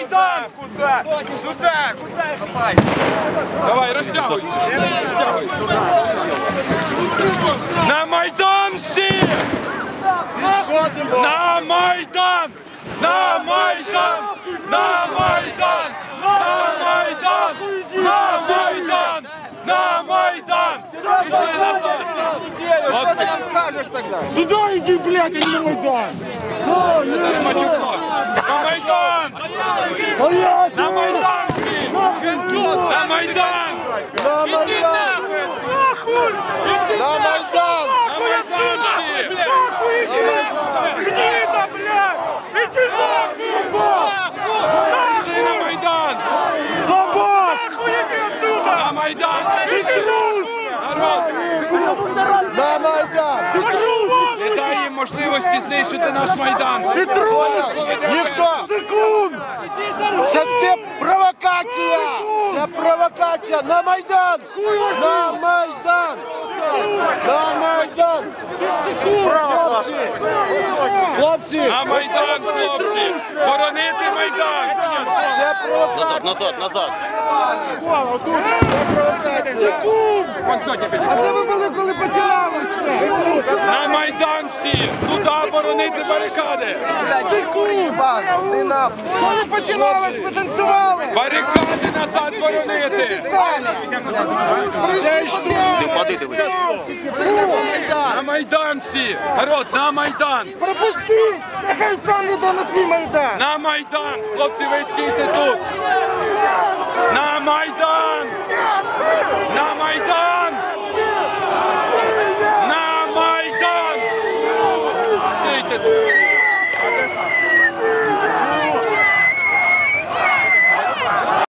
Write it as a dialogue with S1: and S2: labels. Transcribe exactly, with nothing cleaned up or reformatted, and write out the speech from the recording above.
S1: Майдан!
S2: Куда? Сюда! Куда?
S1: Давай, розтягуйся! На Майдан всі! На Майдан! На Майдан! На Майдан! На Майдан! На Майдан! На Майдан! Пішли назад!
S2: Что ты нам скажешь тогда?
S3: Туда иди, блядь, а не на Майдан!
S1: На Майдан! На Майдан всі! На Майдан! Іди нахуй! Нахуй!
S2: На Майдан!
S1: На Майдан всі!
S3: Гнида, блядь! Иди нахуй!
S1: Пішли на Майдан!
S3: Слабак! Нахуй иди отсюда!
S1: На Майдан!
S3: Иди трус!
S1: Народ!
S2: На Майдан!
S3: Пошел вон!
S1: Не дай їм можливості знищити наш Майдан!
S3: Ты трус!
S2: Ніхто!
S3: Секунд!
S2: Це те провокація! Це провокація! На Майдан! На Майдан! На Майдан! Право, Саша! Хлопці!
S1: На Майдан, хлопці! Боронити Майдан!
S2: Це провокація!
S4: Назад, назад, назад.
S2: Це провокація!
S3: А де ви були, коли починалося?
S1: На Майдан всі! Туди боронити барикади!
S3: Коли починалось, ви танцювали?
S1: Барикади назад боронити!
S3: Це що?
S4: Ти впади, дивись.
S1: На Майдан всі! Народ, на Майдан!
S3: Пропустіть! Нехай сам йде на свій Майдан!
S1: На Майдан! Хлопці, ви стійте тут! На Майдан! На Майдан!